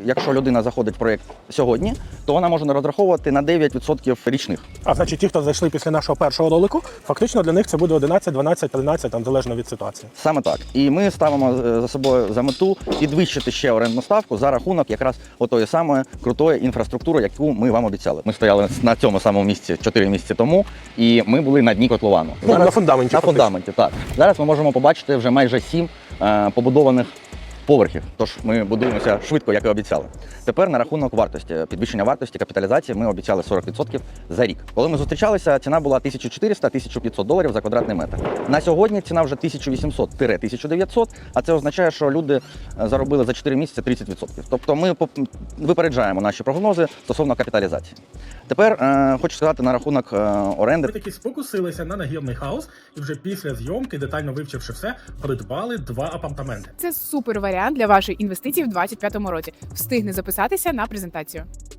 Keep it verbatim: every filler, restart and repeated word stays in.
якщо людина заходить в проєкт сьогодні, то вона може розраховувати на дев'ять відсотків річних. А значить, ті, хто зайшли після нашого першого ролику, фактично для них це буде одинадцять, дванадцять, тринадцять, там залежно від ситуації. Саме так. І ми ставимо за собою за мету підвищити ще орендну ставку за рахунок якраз отої самої крутої інфраструктури, яку ми вам обіцяли. Ми стояли на цьому самому місці чотири місяці тому, і ми були на дні котловану. Ну, на фундаменті. На фактично. фундаменті, так. Зараз ми можемо побачити вже майже сім е, побудованих поверхів. Тож ми будуємося швидко, як і обіцяли. Тепер на рахунок вартості, підвищення вартості, капіталізації ми обіцяли сорок відсотків за рік. Коли ми зустрічалися, ціна була тисяча чотириста - тисяча п'ятсот доларів за квадратний метр. На сьогодні ціна вже тисяча вісімсот - тисяча дев'ятсот, а це означає, що люди заробили за чотири місяці тридцять відсотків. Тобто ми випереджаємо наші прогнози стосовно капіталізації. Тепер е, хочу сказати на рахунок е, оренди. Ви таки спокусилися на нагірний хаус і вже після зйомки, детально вивчивши все, придбали два апартаменти. Це супер варіант для вашої інвестиції в двадцять п'ятому році. Встигни записатися на презентацію.